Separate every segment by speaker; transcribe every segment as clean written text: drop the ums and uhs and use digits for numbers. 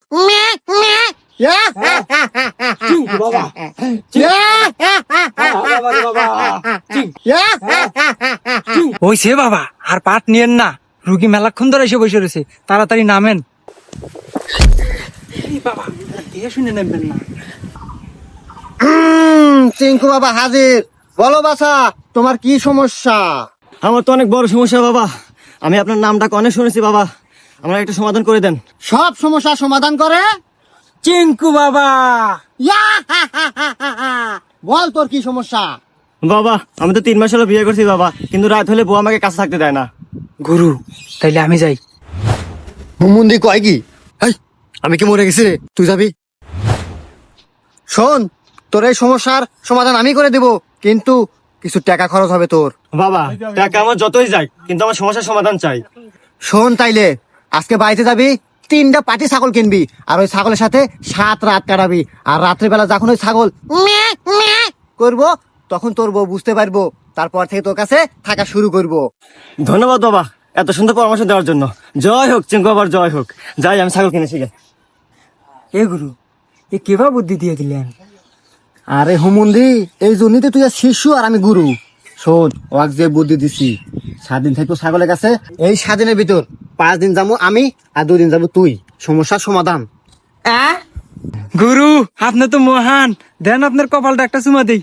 Speaker 1: ওইছে বাবা, আর পাট নিয়েন না, রুগী মেলাক্ষণ ধরে এসে বসে রয়েছে, তাড়াতাড়ি নামেন। বাবা দেখে শুনে নেবেন না।
Speaker 2: চিঙ্কু বাবা হাজির। বলো বাছা, তোমার কি সমস্যা?
Speaker 3: আমার তো অনেক বড় সমস্যা বাবা, আমি আপনার নামটা অনেক শুনেছি বাবা, আমার একটা সমাধান করে দেন।
Speaker 2: সব সমস্যা সমাধান করে
Speaker 1: চিঙ্কু বাবা।
Speaker 2: বল তোর কি সমস্যা?
Speaker 3: বাবা আমি তো 3 মাস হলো বিয়ে করছি বাবা, কিন্তু রাত হলে বউ আমাকে কাছে থাকতে দেয় না।
Speaker 1: গুরু, তাইলে আমি যাই।
Speaker 2: হুমুন্দি কয় কি? আমি কি মরে গেছি রে? তুই যাবি? শোন, তোর এই সমস্যার সমাধান আমি করে দেব, কিন্তু কিছু টাকা খরচ হবে তোর।
Speaker 3: বাবা টাকা আমার যতই যাই, কিন্তু আমার সমস্যার সমাধান চাই।
Speaker 2: শোন তাইলে, আজকে বাড়িতে যাবি, 3টা পাটি ছাগল কিনবি, আর ওই ছাগলের সাথে 7 রাত কাটাবি, আর রাত্রিবেলা যখন ওই ছাগল করবো, তখন তোর বউ বুঝতে পারবো, তারপর থেকে তোর কাছে থাকা শুরু করবো।
Speaker 3: ধন্যবাদ বাবা এত সুন্দর পরামর্শ দেওয়ার জন্য। জয় হোক চিঙ্কু বাবার, জয় হোক। যাই আমি ছাগল কিনেছি গে।
Speaker 1: এ গুরু, এ কেবা বুদ্ধি দিয়ে দিলেন?
Speaker 2: আরে হুমুন্দি, এই জন্যই তো তুই আর শিশু আর আমি গুরু। শোন, ওয়াক যে বুদ্ধি দিছি, 7 দিন থাকবো ছাগলের কাছে, এই 7 দিনের ভিতর 5 দিন যাবো আমি, আর 2 দিন যাবো তুই। সমস্যার সমাধান।
Speaker 1: গুরু, আপনি তো মহান, দেন আপনার কপালটা একটা চুমা দেই।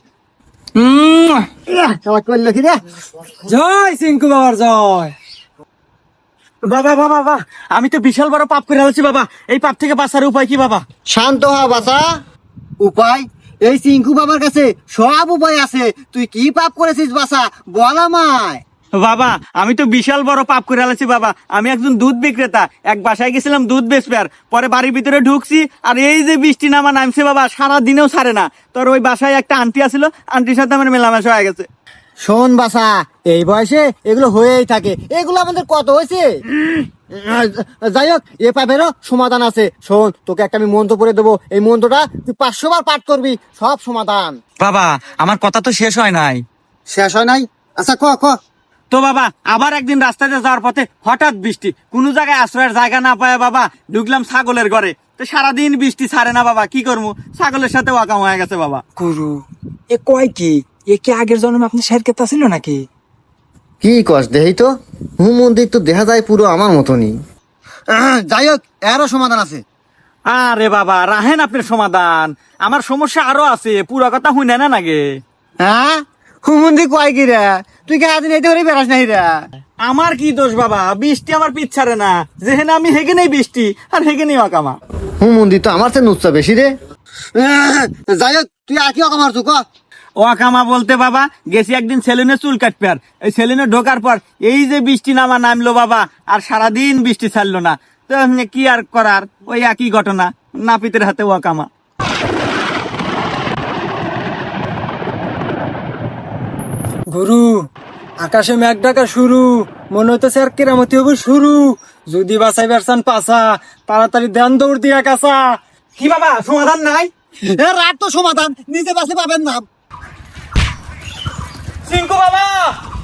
Speaker 2: করলো কি রে?
Speaker 1: জয় চিঙ্কু বাবার জয়।
Speaker 3: বাবা বাবা বাবা, আমি তো বিশাল বড় পাপ করে আছি বাবা, এই পাপ থেকে বাঁচার উপায় কি বাবা?
Speaker 2: শান্ত হ বাছা। উপায়? এই চিঙ্কু বাবার কাছে সব উপায় আছে। তুই কি পাপ করেছিস বাছা, বল আমায়।
Speaker 3: বাবা আমি তো বিশাল বড় পাপ করে আছি বাবা, আমি একজন দুধ বিক্রেতা, এক বাসায় গেছিলাম দুধ বেচবে, আর পরে বাড়ির ভিতরে ঢুকছি, আর এই যে বৃষ্টি নামা নামছে বাবা, সারা দিনেও ছাড়ে না। তোর ওই বাসায় একটা আন্টি আছিল, আন্টির সাথে আমার মেলামেশা হয়ে গেছে।
Speaker 2: শোন বাছা, এই বয়সে এগুলো হয়েই থাকে, এগুলো আমাদের কত হয়েছে। যাই হোক, এ পাপেরও সমাধান আছে। শোন, তোকে একটা আমি মন্ত্র পড়ে দেবো, এই মন্ত্রটা তুই 500 বার পাঠ করবি, সব সমাধান।
Speaker 1: বাবা আমার কথা তো শেষ হয় নাই।
Speaker 2: শেষ হয় নাই? আচ্ছা ক ক।
Speaker 3: তো বাবা আবার একদিন রাস্তাতে যাওয়ার পথে হঠাৎ বৃষ্টি, কোনো জায়গায় আশ্রয়ের জায়গা না পায় বাবা, ঢুকলাম ছাগলের ঘরে, তো সারাদিন বৃষ্টি ছাড়ে না বাবা, কি করবো, ছাগলের সাথে ওয়াকাম হয়ে গেছে বাবা।
Speaker 1: গুরু, এ কয় কি? এ কি আগের জন্মে আপনি শের কেতা ছিল নাকি?
Speaker 2: কি কস দেহি তো, হুমন্দির তো দেখা যায় পুরো আমার মতনই। যাই হোক, এরও সমাধান আছে।
Speaker 3: আরে বাবা রাহেন আপনার সমাধান, আমার সমস্যা আরো আছে, পুরো কথা হুই না নাগে।
Speaker 2: হ্যাঁ, হুমন্দি কয় কি রে? তুই কে আদিন এইতে করে বেড়াস নাই রে?
Speaker 3: আমার কি দোষ বাবা, বৃষ্টি আমার পিছ ছাড়ে না, যেহেন আমি হেগে নেই বৃষ্টি, আর হেগে নেই ওয়াকামা।
Speaker 2: হুমন্দি তো আমার চেয়ে নুচ্ছা বেশি রে। যাই হোক, তুই আর কি অকামার তুই ক।
Speaker 3: ওয়াকামা বলতে বাবা, গেছি একদিন সেলুনে চুল কাটবে, আর এই সেলুনে ঢোকার পর এই যে বৃষ্টি নামা নামলো বাবা, আর সারাদিন বৃষ্টি ছাড়লো না, তো কি আর করার, ওই একই ঘটনা, নাপিতের হাতে ওয়াকামা।
Speaker 1: গুরু, আকাশে মেঘ ডাকা শুরু, মনে হইতেছে আর কেরামতি হবে শুরু। যদি বাঁচাই বেরসান পাছা, তাড়াতাড়ি ধ্যান দৌড় দিয়া কাছা।
Speaker 3: কি বাবা সমাধান নাই?
Speaker 2: রাত তো সমাধান, নিজে বাসে পাবেন না।
Speaker 3: চিঙ্কু বাবা